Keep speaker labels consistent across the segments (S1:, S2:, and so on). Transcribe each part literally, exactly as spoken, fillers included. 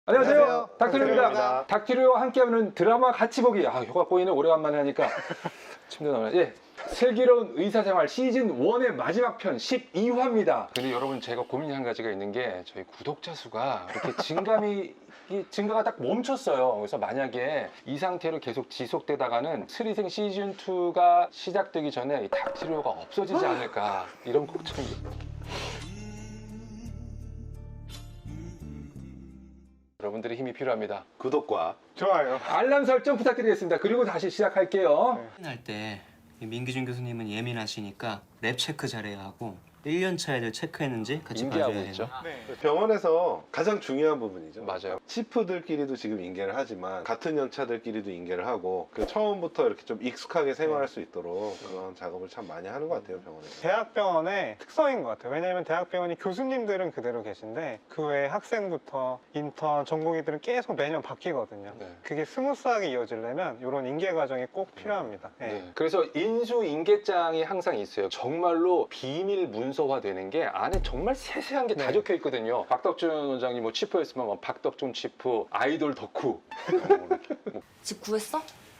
S1: 안녕하세요.
S2: 안녕하세요.
S1: 닥터리입니다.
S2: 닥터리입니다.
S1: 닥터리와 함께하는 드라마 같이 보기. 아, 효과 꼬이는 오래간만에 하니까 침대 나오네. 예. 슬기로운 의사생활 시즌 일의 마지막 편 십이 화입니다. 근데 여러분, 제가 고민이 한 가지가 있는 게 저희 구독자 수가 이렇게 증감이 이 증가가 딱 멈췄어요. 그래서 만약에 이 상태로 계속 지속되다가는 스리생 시즌 이가 시작되기 전에 이 닥터리가 없어지지 않을까 이런 걱정이. 여러분들의 힘이 필요합니다.
S2: 구독과
S3: 좋아요.
S1: 알람 설정 부탁드리겠습니다. 그리고 다시 시작할게요.
S3: 네.
S4: 할 때 민기준 교수님은 예민하시니까 랩 체크 잘해야 하고 일 년 차 애들 체크했는지 같이
S1: 인계하고
S4: 봐줘야
S1: 있죠.
S4: 해요.
S3: 네.
S2: 병원에서 가장 중요한 부분이죠.
S1: 맞아요.
S2: 치프들끼리도 지금 인계를 하지만 같은 연차들끼리도 인계를 하고 그 처음부터 이렇게 좀 익숙하게 생활할 수 있도록 그런 작업을 참 많이 하는 것 같아요, 병원에서.
S3: 대학병원의 특성인 것 같아요. 왜냐하면 대학병원이 교수님들은 그대로 계신데 그 외에 학생부터 인턴, 전공의들은 계속 매년 바뀌거든요.
S1: 네.
S3: 그게 스무스하게 이어지려면 이런 인계 과정이 꼭 필요합니다. 네.
S1: 네. 그래서 인수 인계장이 항상 있어요. 정말로 비밀 문서화되는 게 안에 정말 세세한 게 다
S3: 네.
S1: 적혀 있거든요. 박덕준 원장님 뭐 치프였으면 뭐 박덕준 치프, 아이돌 덕후.
S5: 집 구했어?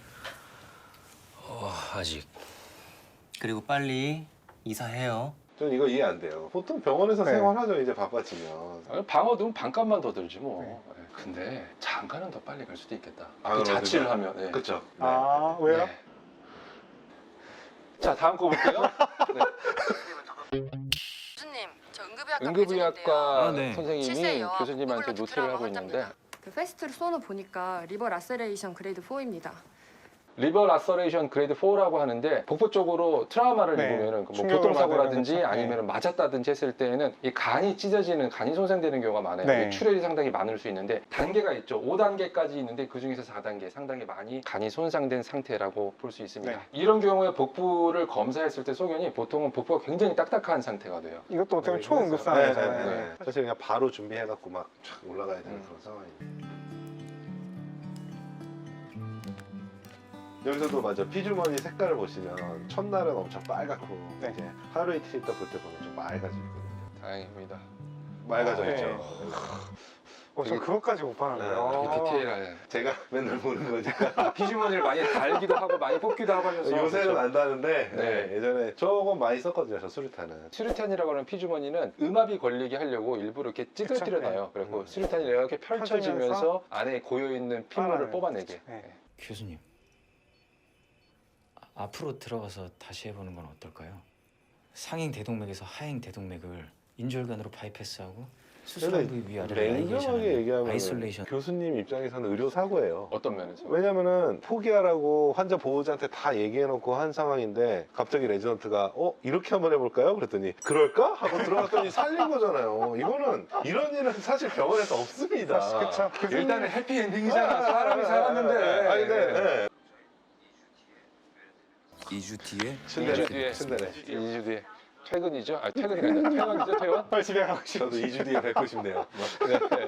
S6: 어, 아직.
S4: 그리고 빨리 이사해요.
S2: 저는 이거 이해 안 돼요. 보통 병원에서
S3: 네.
S2: 생활하죠, 이제 바빠지면.
S1: 방어 든 반값만 더 들지 뭐.
S3: 네.
S1: 네. 근데 장가는 더 빨리 갈 수도 있겠다.
S2: 방으로
S1: 그 자취를
S2: 들어가.
S1: 하면. 네.
S2: 그쵸? 네.
S3: 아, 왜요?
S1: 네. 자, 다음 거 볼게요. 네.
S5: 교수님, 저 응급의학과
S1: 응급의학과
S4: 아, 네.
S1: 선생님이 교수님한테 노트를 하고 있는데
S5: 그 페스트로 쏘는 보니까 리버 라세레이션 그레이드 사입니다.
S1: 리버 라서레이션 그레이드 사라고 하는데 복부 쪽으로 트라우마를
S3: 네.
S1: 입으면은 뭐
S3: 충격을
S1: 교통사고라든지
S3: 받으면
S1: 아니면 맞았다든지 했을 때에는 이 간이 찢어지는, 간이 손상되는 경우가 많아요.
S3: 네.
S1: 이게 출혈이 상당히 많을 수 있는데 단계가 있죠. 오 단계까지 있는데 그 중에서 사 단계 상당히 많이 간이 손상된 상태라고 볼 수 있습니다.
S3: 네.
S1: 이런 경우에 복부를 검사했을 때 소견이 보통은 복부가 굉장히 딱딱한 상태가 돼요.
S3: 이것도 어떻게 보면
S2: 네,
S3: 초응급상황이잖아요.
S2: 네, 네, 네. 사실 그냥 바로 준비해갖고 막 촥 올라가야 되는
S1: 음.
S2: 그런 상황이에요. 여기서도 맞아, 피주머니 색깔을 보시면 첫날은 엄청 빨갛고
S3: 네.
S2: 이제 하루 이틀 있다 볼 때 보면 좀 맑아져 있거든요.
S1: 다행입니다.
S2: 맑아져
S3: 네.
S2: 있죠.
S3: 어, 저 그것까지 못
S2: 네.
S3: 봤는데요.
S1: 이렇게 디테일한
S2: 제가 맨날 보는 거니까
S1: 피주머니를 많이 달기도 하고 많이 뽑기도 하고 하면서
S2: 요새는
S1: 그렇죠.
S2: 안다는데
S1: 네.
S2: 네, 예전에 조금 많이 썼거든요, 저 수류탄은.
S1: 수류탄이라고 하는 피주머니는 음압이 걸리게 하려고 일부러 이렇게 찌그러뜨려놔요. 그래고
S2: 음.
S1: 수류탄이 이렇게 펼쳐지면서
S3: 펼쳐지면서
S1: 안에 고여있는 핏물을
S3: 빨아내요.
S1: 뽑아내게.
S3: 네.
S6: 교수님. 아, 앞으로 들어가서 다시 해보는 건 어떨까요? 상행 대동맥에서 하행 대동맥을 인절관으로 바이패스하고 수술한 부위 위아래를
S2: 냉정하게 얘기하면
S6: 아이솔레이션.
S2: 교수님 입장에서는 의료 사고예요.
S1: 어떤 면에서?
S2: 왜냐면은 포기하라고 환자 보호자한테 다 얘기해놓고 한 상황인데 갑자기 레지던트가 어? 이렇게 한번 해볼까요? 그랬더니 그럴까? 하고 들어갔더니 살린 거잖아요. 이거는 이런 일은 사실 병원에서 없습니다.
S3: 그쵸.
S1: 일단은 해피엔딩이잖아. 사람이 살았는데.
S2: 아니, 네, 네.
S6: 이 주 뒤에
S1: 이 주
S2: 침대네.
S1: 뒤에.
S2: 침대네.
S1: 이 주 뒤에. 퇴근이죠? 아, 퇴근이 아니라 퇴원이죠, 퇴원?
S3: 빨리 집에 가고 싶어.
S2: 저도 이 주 뒤에 뵙고 싶네요.
S1: 네.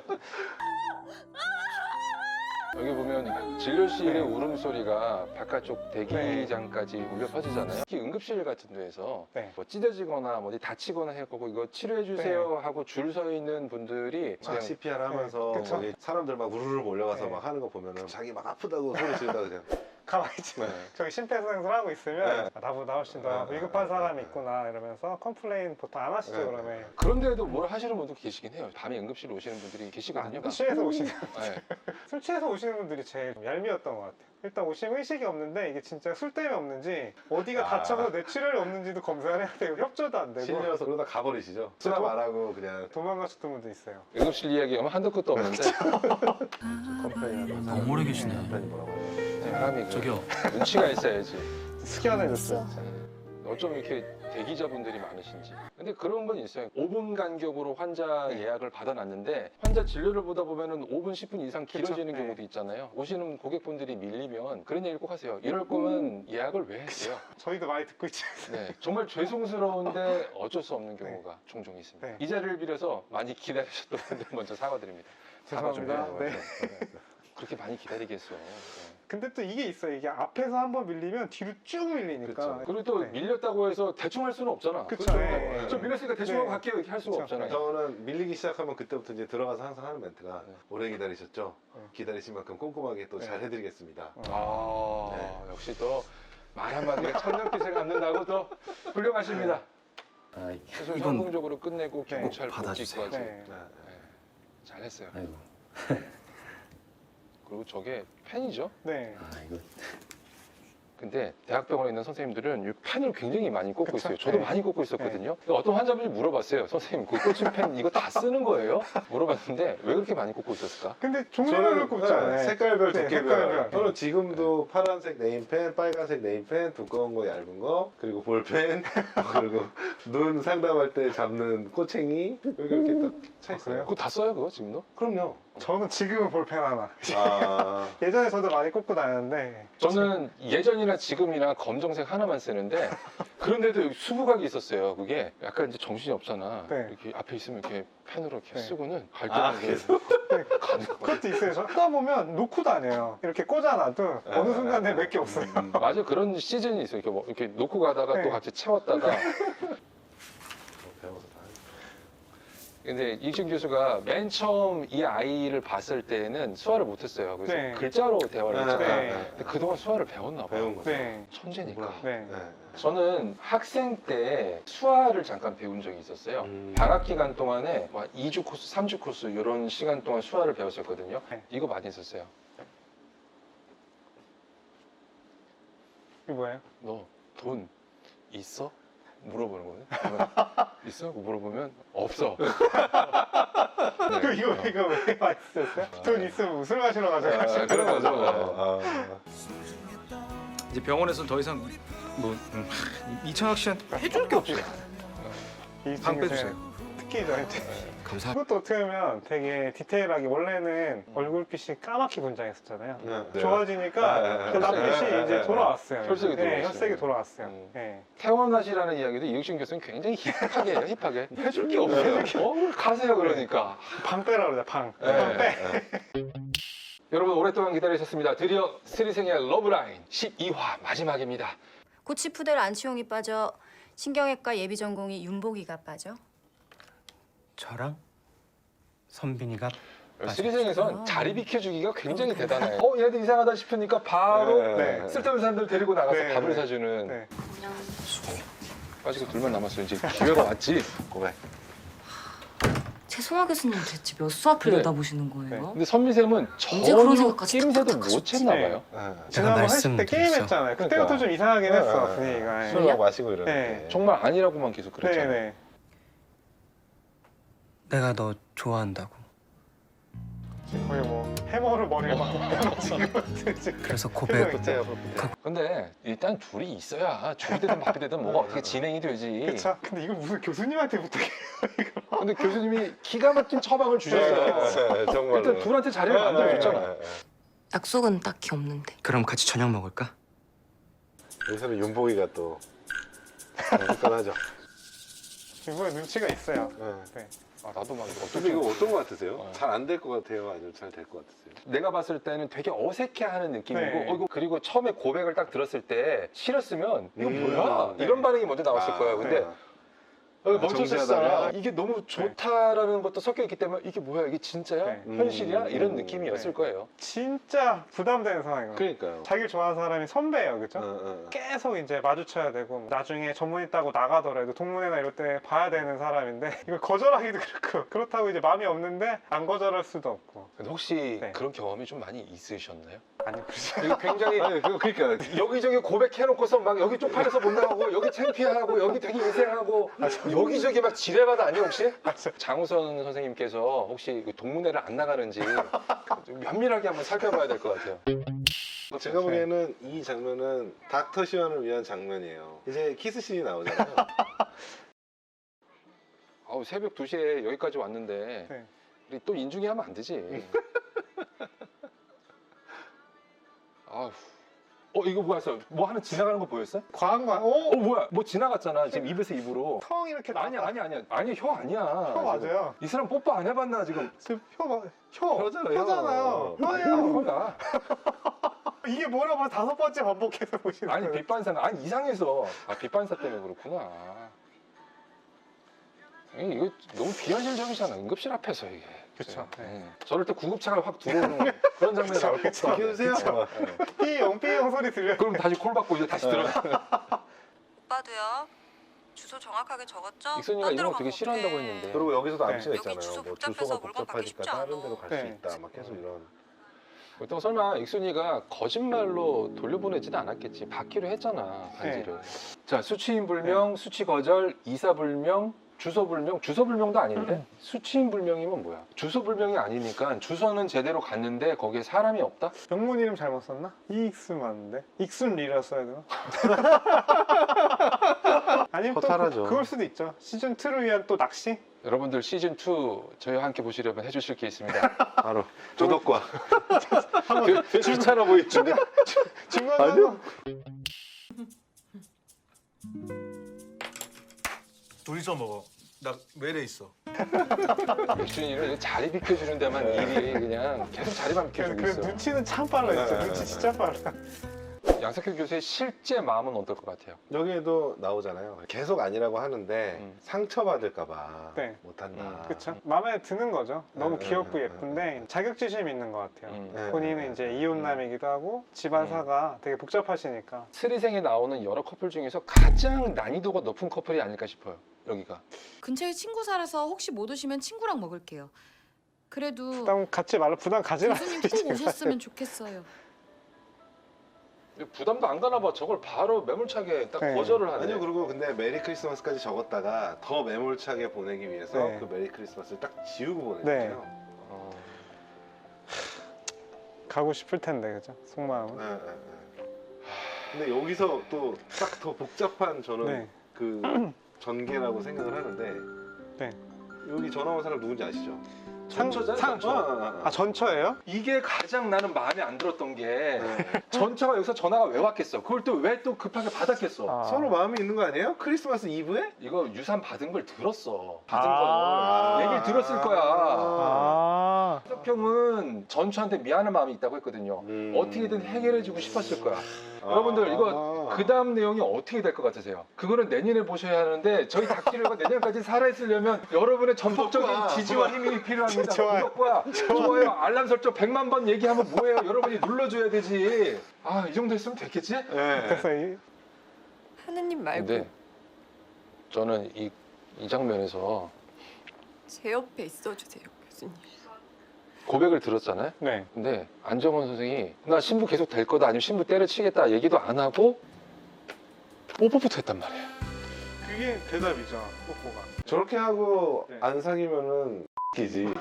S1: 여기 보면 진료실의 울음소리가 바깥쪽 대기장까지 울려 퍼지잖아요. 특히 응급실 같은 데에서
S3: 네.
S1: 뭐 찢어지거나 뭐 어디 다치거나 해갖고 이거 치료해 주세요 하고 줄 서 있는 분들이
S2: 막
S1: 그냥
S2: 씨피알 하면서
S3: 네, 그쵸.
S2: 거기 사람들 막 우르르 몰려가서
S3: 네.
S2: 막 하는 거 보면은 자기 막 아프다고 소리 지르다 그냥
S3: 가만히 있지.
S1: 네.
S3: 저기 심폐소생술 하고 있으면
S2: 네.
S3: 아, 나보다 훨씬 더
S2: 네.
S3: 위급한 사람이 있구나 이러면서 컴플레인 보통 안 하시죠
S2: 네.
S3: 그러면.
S1: 그런데도 뭘 하시는 분도 계시긴 해요. 밤에 응급실 오시는 분들이 계시거든요.
S3: 술 취해서 오시는
S1: 네.
S3: 술 취해서 오시는 분들이 제일 얄미웠던 것 같아요. 일단 오시면 의식이 없는데 이게 진짜 술 때문에 없는지 어디가
S2: 아.
S3: 다쳐서 뇌출혈이 없는지도 검사를 해야 되고 협조도 안 되고
S2: 실려서 그러다 가버리시죠. 수납 안 하고 그냥
S3: 도망가셨던 분도 있어요.
S1: 응급실 이야기하면 한도 끝도 없는데
S2: 컴플레인 하면서
S6: 너무 오래 계시네.
S2: 남편이 뭐라고 하죠.
S1: 사람이 그
S6: 저기요.
S1: 눈치가 있어야지.
S3: 숙연해졌어요.
S1: 어쩜 이렇게 대기자분들이 많으신지. 근데 그런 건 있어요. 오 분 간격으로 환자 예약을 받아놨는데 환자 진료를 보다 보면은 오 분, 십 분 이상 길어지는
S3: 그쵸.
S1: 경우도 있잖아요. 오시는 고객분들이 밀리면 그런 얘기를 꼭 하세요. 이럴 거면 예약을 왜 했어요?
S3: 저희도 많이 듣고 있죠.
S1: 네, 정말 죄송스러운데 어쩔 수 없는 경우가 종종 있습니다.
S3: 네.
S1: 이 자리를 빌어서 많이 기다리셨던 분들 먼저 사과드립니다. 사과 좀
S3: 죄송합니다.
S1: 해요.
S3: 네.
S1: 그렇게 많이 기다리겠어. 네.
S3: 근데 또 이게 있어요. 이게 앞에서 한번 밀리면 뒤로 쭉 밀리니까.
S2: 그쵸.
S1: 그리고 또
S3: 네.
S1: 밀렸다고 해서 대충 할 수는 없잖아.
S3: 그쵸.
S1: 그렇죠?
S3: 네.
S1: 저 밀렸으니까 대충
S3: 네.
S1: 하고 갈게요 이렇게 할 수가
S3: 그쵸.
S1: 없잖아요.
S2: 저는 밀리기 시작하면 그때부터 이제 들어가서 항상 하는 멘트가
S1: 네.
S2: 오래 기다리셨죠?
S3: 네.
S2: 기다리신 만큼 꼼꼼하게 또
S3: 네.
S2: 잘 해드리겠습니다.
S1: 아
S2: 네.
S1: 역시 또 말 한마디가 천년빛을 갚는다고 또 훌륭하십니다.
S6: 아,
S1: 최소
S6: 이건
S1: 성공적으로 끝내고
S3: 네.
S1: 경찰
S6: 받아주세요.
S1: 복직까지
S3: 네.
S2: 네.
S1: 잘했어요.
S6: 아이고.
S1: 그리고 저게 펜이죠?
S3: 네.
S6: 아 이거
S1: 근데 대학병원에 있는 선생님들은 이 펜을 굉장히 많이 꽂고
S3: 그쵸?
S1: 있어요. 저도
S3: 네.
S1: 많이 꽂고 있었거든요. 어떤 환자분이 물어봤어요. 선생님, 그 꽂힌 펜 이거 다 쓰는 거예요? 물어봤는데 왜 그렇게 많이 꽂고 있었을까?
S3: 근데 종류별로 꼽잖아요.
S2: 네, 색깔별,
S3: 네,
S2: 두께별.
S3: 색깔별.
S2: 저는 지금도 파란색 네임펜, 빨간색 네임펜, 두꺼운 거, 얇은 거, 그리고 볼펜, 그리고 눈 상담할 때 잡는 꼬챙이 여기 이렇게 딱 차 있어요.
S1: 그거 다 써요, 그거 지금도?
S2: 그럼요.
S3: 저는 지금은 볼펜 하나.
S2: 아,
S3: 예전에 저도 많이 꽂고 다녔는데.
S1: 저는 예전이나 지금이나 검정색 하나만 쓰는데 그런데도 여기 수부각이 있었어요. 그게 약간 이제 정신이 없잖아.
S3: 네.
S1: 이렇게 앞에 있으면 이렇게 펜으로 이렇게
S3: 네.
S1: 쓰고는 갈
S2: 아,
S1: 때마다
S2: 계속?
S3: 네,
S1: 가는 거야.
S3: 그것도 있어요. 저 하다 보면 놓고 다녀요. 이렇게 꽂아놔도 어느 순간에 몇 개 없어요.
S2: 음.
S1: 맞아, 그런 시즌이 있어요. 이렇게, 뭐 이렇게 놓고 가다가
S3: 네.
S1: 또 같이 채웠다가.
S2: 배워서 다
S1: 근데 이준 교수가 맨 처음 이 아이를 봤을 때는 수화를 못했어요. 그래서
S3: 네.
S1: 글자로 대화를
S2: 네,
S1: 했잖아요.
S3: 네.
S1: 근데 그동안 수화를 배웠나 봐요.
S2: 배운 거죠.
S3: 네.
S1: 천재니까.
S3: 네.
S2: 네.
S1: 저는 학생 때 수화를 잠깐 배운 적이 있었어요.
S2: 음.
S1: 방학 기간 동안에 막 이 주 코스, 삼 주 코스 이런 시간 동안 수화를 배웠었거든요.
S3: 네.
S1: 이거 많이 썼어요.
S3: 이게 뭐예요?
S1: 너 돈 있어? 물어보는 거네. 있어? 물어보면 없어. 네.
S3: 그 이거 이거 왜 맛있었어요? 돈 있으면 술 마시러 가자.
S1: 아, 그런 거죠.
S2: 아,
S6: 이제 병원에서는 더 이상 뭐 음, 이창학 씨한테 해줄 게 없어요.
S3: 이
S6: 방
S3: 친구
S6: 빼주세요.
S3: 특히 저한테.
S6: 감사.
S3: 그것도 어떻게 보면 되게 디테일하게 원래는 얼굴빛이 까맣게 분장했었잖아요.
S2: 네. 네.
S3: 좋아지니까
S2: 네.
S3: 그 낯빛이
S2: 네.
S3: 이제 돌아왔어요.
S1: 혈색이
S3: 네,
S1: 돌아왔어요.
S3: 혈색이 돌아왔어요.
S1: 음.
S3: 네.
S1: 퇴원하시라는 이야기도 이육신 교수는 굉장히 힙하게 해요. 힙하게. 해줄 게 없어요. 어, 가세요 그러니까.
S3: 방 빼라 그러자 방.
S1: 네.
S3: 방 빼.
S1: 여러분 오랫동안 기다리셨습니다. 드디어 스리생의 러브라인 십이 화 마지막입니다.
S7: 고치푸들 안치홍이 빠져 신경외과 예비 전공이 윤복이가 빠져.
S4: 저랑 선빈이가
S1: 스리생에선
S7: 아.
S1: 자리 비켜주기가 굉장히 대단해요. 어, 얘들 이상하다 싶으니까 바로
S2: 네.
S1: 쓸데없는 사람들 데리고 나가서
S3: 네,
S1: 밥을
S3: 네.
S1: 사주는.
S3: 네.
S1: 빠지고 둘만 남았어요. 이제 기회가 왔지.
S2: 고백.
S8: 최송화 교수님 대체 몇 수업을
S1: 네.
S8: 내다보시는 거예요?
S1: 근데 선미쌤은
S8: 언제 그런
S1: 전혀
S8: 생각까지
S1: 낌새도
S8: 탁탁
S1: 못
S8: 하셨지?
S1: 챘나
S3: 네.
S1: 봐요.
S2: 네.
S3: 지난번 했을 때 게임
S4: 말씀드렸죠.
S3: 했잖아요. 그때부터
S1: 그러니까.
S3: 좀 이상하긴
S2: 네.
S3: 했어 분위기가.
S2: 술 막 마시고 이러는데.
S1: 정말 아니라고만 계속 그랬잖아요.
S3: 네네.
S4: 내가 너 좋아한다고.
S3: 거의 뭐 해머를 머리에 막 지금
S4: 그래서
S3: 표정이
S4: 고백.
S3: 있죠.
S1: 근데 일단 둘이 있어야 죽이 되든 밥이 되든 뭐가 어떻게 진행이 되지.
S3: 그쵸. 근데 이걸 무슨 교수님한테 부탁해.
S1: 근데 교수님이 기가 막힌 처방을 주셨어요.
S2: 네, 정말로.
S1: 일단 둘한테 자리를 만들어줬잖아.
S2: 네, 네, 네.
S8: 약속은 딱히 없는데.
S4: 그럼 같이 저녁 먹을까?
S2: 여기서는 윤복이가 또 끈끈하죠.
S3: 이번에 눈치가 있어요.
S2: 네.
S3: 네.
S1: 아, 나도 막
S2: 근데
S1: 어떻게
S2: 이거 어떤 거 같으세요?
S1: 어.
S2: 잘 안 될 것 같아요? 아니면 잘 될 것 같으세요?
S1: 내가 봤을 때는 되게 어색해하는 느낌이고
S3: 네.
S1: 어, 이거 그리고 처음에 고백을 딱 들었을 때 싫었으면 이거
S2: 음,
S1: 뭐야?
S3: 네.
S1: 이런 반응이 먼저 나왔을
S2: 아,
S1: 거예요. 근데
S2: 네.
S1: 여기
S2: 아,
S1: 멈췄었잖아.
S2: 정지하다가?
S1: 이게 너무 좋다라는 것도 섞여 있기 때문에 이게 뭐야? 이게 진짜야?
S3: 네.
S1: 현실이야?
S2: 음,
S1: 이런
S2: 음,
S1: 느낌이었을
S3: 네.
S1: 거예요.
S3: 진짜 부담되는 상황이에요.
S2: 그러니까요.
S3: 자기를 좋아하는 사람이 선배예요, 그죠?
S2: 어, 어.
S3: 계속 이제 마주쳐야 되고 나중에 전문 있다고 나가더라도 동문회나 이럴 때 봐야 되는 사람인데 이걸 거절하기도 그렇고 그렇다고 이제 마음이 없는데 안 거절할 수도 없고
S1: 근데 혹시
S3: 네.
S1: 그런 경험이 좀 많이 있으셨나요?
S3: 아니 그렇죠.
S1: 이게 굉장히
S2: 아니, 그거 그러니까
S1: 여기저기 고백해놓고서 막 여기 쪽팔려서 못 나가고 여기 창피하고 여기 되게 인생하고 여기저기 막 지뢰바다 아니에요 혹시? 장우선 선생님께서 혹시 그 동문회를 안 나가는지 좀 면밀하게 한번 살펴봐야 될 것 같아요.
S2: 제가 보기에는 이 장면은 닥터 시완을 위한 장면이에요. 이제 키스씬이 나오잖아요.
S1: 아우, 새벽 두 시에 여기까지 왔는데
S3: 네.
S1: 우리 또 인중이 하면 안 되지. 아우, 어 이거 뭐였어? 뭐 하나 지나가는 거 보였어?
S3: 과한 거.
S1: 어
S3: 오,
S1: 뭐야? 뭐 지나갔잖아. 지금 입에서 입으로.
S3: 턱 이렇게 나.
S1: 아니야 아니야 아니야. 아니 혀 아니야.
S3: 혀 맞아요.
S1: 이 사람 뽀뽀 안 해봤나 지금?
S3: 지금 혀, 봐- 혀,
S2: 혀잖아요.
S3: 혀잖아요.
S1: 아니야
S3: 혀예요.
S1: 혀야.
S3: 이게 뭐라고 다섯 번째 반복해서 보시는
S1: 아니
S3: 거예요.
S1: 빛반사가 아니 이상해서. 아 빛반사 때문에 그렇구나. 이- 이거 너무 비현실적이잖아. 응급실 앞에서 이게.
S3: 그쵸. 네.
S1: 응. 저럴 때 구급차가 확 들어오는 그런 장면이 나올 것 같아.
S2: 키우세요?
S3: 삐용 삐용 소리 들려.
S1: 그럼 다시 콜 받고 이제 다시 들어.
S7: 오빠도요. 주소 정확하게 적었죠?
S1: 익선이가 이런 거 되게 싫어한다고 했는데.
S2: 그리고 여기서도
S3: 네.
S2: 암시가
S7: 여기
S2: 있잖아요.
S7: 주소
S2: 뭐
S7: 복잡해서
S2: 주소가
S7: 물건 받기
S2: 복잡하니까
S7: 쉽지
S2: 다른
S7: 않아.
S2: 데로 갈 수
S3: 네.
S2: 있다. 막 계속 이런.
S1: 그렇다고 설마 익순이가 거짓말로 돌려보내지는 않았겠지. 받기로 했잖아 반지를. 자 수취인 불명, 수취 거절, 이사 불명, 주소 불명. 주소 불명도 아닌데 수취인 불명이면 뭐야? 주소 불명이 아니니까 주소는 제대로 갔는데 거기에 사람이 없다?
S3: 영문 이름 잘못 썼나? 이익순 맞는데? 익순리라 써야 되나? 아니면 또
S2: 허탈하죠.
S3: 그, 그걸 수도 있죠. 시즌 이를 위한 또 낚시?
S1: 여러분들 시즌 투 저희와 함께 보시려면 해주실 게 있습니다.
S2: 바로 조덕과.
S1: 그, 귀찮아 보이죠?
S3: 중간에
S2: 둘이서 먹어. 나 외래 있어.
S1: 익순이를 자리 비켜주는 데만 일이 그냥 계속 자리만
S3: 그,
S1: 비켜주고
S3: 그
S1: 있어.
S3: 눈치는 참 빨라 진짜.
S2: 네,
S3: 눈치
S2: 네,
S3: 진짜 빨라.
S1: 양석현 교수의 실제 마음은 어떨 것 같아요?
S2: 여기에도 나오잖아요. 계속 아니라고 하는데
S1: 음.
S2: 상처받을까봐
S3: 네.
S2: 못한다.
S1: 음,
S3: 그쵸? 마음에 드는 거죠. 너무
S2: 네,
S3: 귀엽고
S2: 네,
S3: 예쁜데 자격지심이 있는 것 같아요.
S1: 음.
S2: 네,
S3: 본인은
S2: 네,
S3: 이제
S2: 네.
S3: 이혼남이기도 하고 집안사가 되게 복잡하시니까.
S1: 스리생에 나오는 여러 커플 중에서 가장 난이도가 높은 커플이 아닐까 싶어요. 여기가.
S9: 근처에 친구 살아서 혹시 못 오시면 친구랑 먹을게요. 그래도
S3: 부담 갖지 말라. 부담 가지 말라.
S9: 교수님 꼭 오셨으면 좋겠어요.
S1: 부담도 안 가나 봐. 저걸 바로 매몰차게 딱
S3: 네.
S1: 거절을 하네.
S2: 아니요, 그리고 근데 메리 크리스마스까지 적었다가 더 매몰차게 보내기 위해서
S3: 네.
S2: 그 메리 크리스마스를 딱 지우고
S3: 네.
S2: 보냈잖아요.
S1: 어.
S3: 가고 싶을 텐데 그죠? 속마음은.
S2: 네, 네, 네. 근데 여기서 또 딱 더 복잡한 저는
S3: 네.
S2: 그 전개라고 생각을 하는데
S3: 네.
S2: 여기 전화 온 사람 누군지 아시죠?
S1: 전처잖아,
S3: 상-
S1: 전처.
S2: 아,
S3: 아 전처예요?
S1: 이게 가장 나는 마음에 안 들었던 게
S2: 네.
S1: 전처가 여기서 전화가 왜 왔겠어? 그걸 또 왜 또 급하게 받았겠어?
S3: 아.
S2: 서로 마음이 있는 거 아니에요? 크리스마스 이브에?
S1: 이거 유산 받은 걸 들었어. 받은
S3: 아.
S1: 걸 얘기를 들었을 거야.
S3: 아.
S1: 석형은 전처한테 미안한 마음이 있다고 했거든요.
S2: 음.
S1: 어떻게든 해결해주고 싶었을 거야.
S2: 아.
S1: 여러분들 이거 그 다음 내용이 어떻게 될 것 같으세요? 그거는 내년에 보셔야 하는데 저희 닥치료가 내년까지 살아있으려면 여러분의 전폭적인
S2: 구독과
S1: 지지와 힘이 필요합니다.
S3: 좋아요.
S1: 구독과 좋아요, 알람 설정 백만 번 얘기하면 뭐예요? 여러분이 눌러줘야 되지. 아, 이 정도 했으면 됐겠지?
S2: 네.
S3: 그래서 이,
S5: 하느님 말고
S1: 근데 저는 이, 이 장면에서
S5: 제 옆에 있어주세요, 교수님.
S1: 고백을 들었잖아요.
S3: 네.
S1: 근데 안정원 선생이 나 신부 계속 될 거다 아니면 신부 때려치겠다 얘기도 안 하고 뽀뽀부터 했단 말이에요.
S3: 그게 대답이죠. 뽀뽀가.
S2: 저렇게 하고
S3: 네.
S2: 안 사귀면은 기지.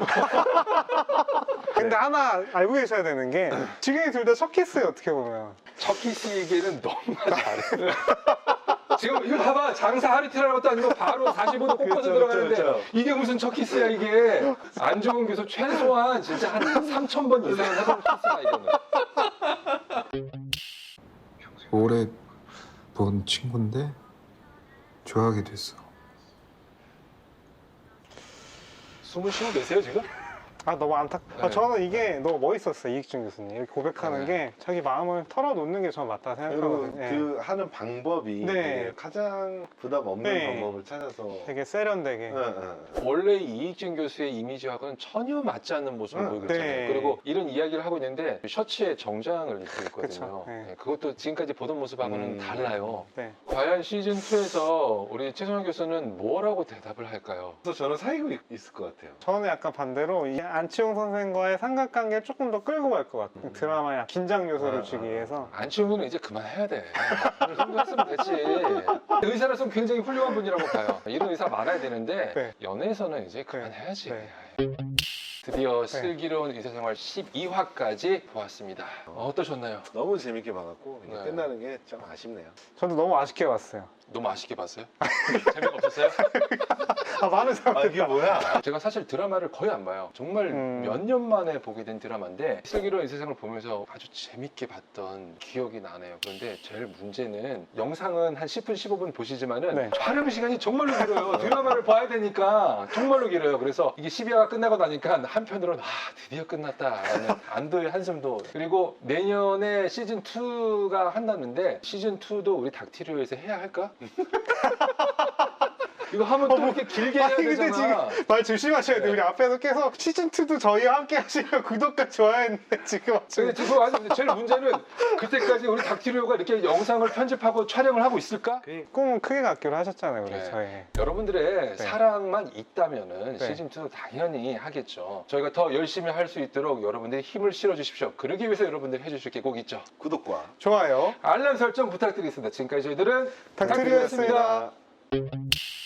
S3: 근데 하나 알고 계셔야 되는 게 지금 둘 다 첫 키스예요 어떻게 보면.
S1: 첫 키스 얘기는 너무나 잘해. 지금 이거 봐봐, 장사 하리티라는 것도 아니고 바로 사십오 도 꽂아서
S2: 그렇죠,
S1: 들어가는데
S2: 그렇죠.
S1: 이게 무슨 첫 키스야 이게. 안정훈 교수 최소한 진짜 한 삼천 번 이상은 해본 키스야 이거는.
S10: 오래 본 친구인데 좋아하게 됐어.
S1: 숨을 쉬고 계세요 지금?
S3: 아 너무 안타.
S1: 네.
S3: 아, 저는 이게 너무 멋있었어요 이익준 교수님. 이렇게 고백하는
S1: 네.
S3: 게 자기 마음을 털어놓는 게 저는 맞다
S2: 그리고
S3: 생각하거든요. 예.
S2: 그 하는 방법이
S3: 네.
S2: 되게 가장 부담 없는
S3: 네.
S2: 방법을 찾아서.
S3: 되게 세련되게.
S2: 네, 네.
S1: 원래 이익진 교수의 이미지하고는 전혀 맞지 않는 모습을
S2: 네.
S1: 보이고 있잖아요.
S3: 네.
S1: 그리고 이런 이야기를 하고 있는데 셔츠에 정장을 입고 있거든요.
S3: 그쵸. 네.
S1: 네, 그것도 지금까지 보던 모습하고는
S2: 음.
S1: 달라요.
S3: 네.
S1: 과연 시즌 투에서 우리 최성현 교수는 뭐라고 대답을 할까요?
S2: 그래서 저는 사귀고 있, 있을 것 같아요.
S3: 저는 약간 반대로 이 안치홍 선생과의 삼각관계를 조금 더 끌고 갈 것 같아요.
S1: 음.
S3: 드라마에 긴장 요소를
S2: 아,
S3: 주기
S2: 아.
S3: 위해서.
S1: 안치홍은 이제 그만해야 돼. 이 정도 했으면 됐지. 의사로서는 굉장히 훌륭한 분이라고 봐요. 이런 의사 많아야 되는데
S3: 네.
S1: 연애에서는 이제 그만해야지.
S3: 네.
S1: 드디어 슬기로운 의사생활 십이 화까지 보았습니다. 어, 어떠셨나요?
S2: 너무 재밌게 봐갖고 이게
S1: 네.
S2: 끝나는 게 좀 아쉽네요.
S3: 저도 너무 아쉽게 봤어요.
S1: 너무 아쉽게 봤어요? 재미가 없었어요?
S3: 아, 많은 사람.
S2: 아 이게 뭐야?
S1: 제가 사실 드라마를 거의 안 봐요. 정말
S3: 음.
S1: 몇 년 만에 보게 된 드라마인데 슬기로운 이 세상을 보면서 아주 재밌게 봤던 기억이 나네요. 그런데 제일 문제는 영상은 한 십 분, 십오 분 보시지만은
S3: 네.
S1: 촬영 시간이 정말로 길어요. 드라마를 봐야 되니까 정말로 길어요. 그래서 이게 십이 화가 끝나고 나니까 한편으로는 아 드디어 끝났다라는 안도의 한숨도. 그리고 내년에 시즌 이가 한다는데 시즌 이도 우리 닥티리오에서 해야 할까? 이거 하면 또 이렇게 길게 해야
S3: 아니 근데
S1: 되잖아.
S3: 지금 말 조심하셔야 돼요.
S1: 네.
S3: 우리 앞에서 계속 시즌 이도 저희와 함께 하시면 구독과 좋아요했는데 지금
S1: 근데 지금 아직 제일 문제는 그때까지 우리 닥티리오가 이렇게 영상을 편집하고 촬영을 하고 있을까?
S3: 꿈은 크게 갖기로 하셨잖아요, 우리
S1: 네.
S3: 저희.
S1: 여러분들의
S3: 네.
S1: 사랑만 있다면은
S3: 네.
S1: 시즌 이도 당연히 하겠죠. 저희가 더 열심히 할 수 있도록 여러분들이 힘을 실어 주십시오. 그러기 위해서 여러분들이 해주실 게 꼭 있죠.
S2: 구독과
S3: 좋아요.
S1: 알람 설정 부탁드리겠습니다. 지금까지 저희들은
S3: 닥티리오였습니다.
S1: 닥티리오였습니다.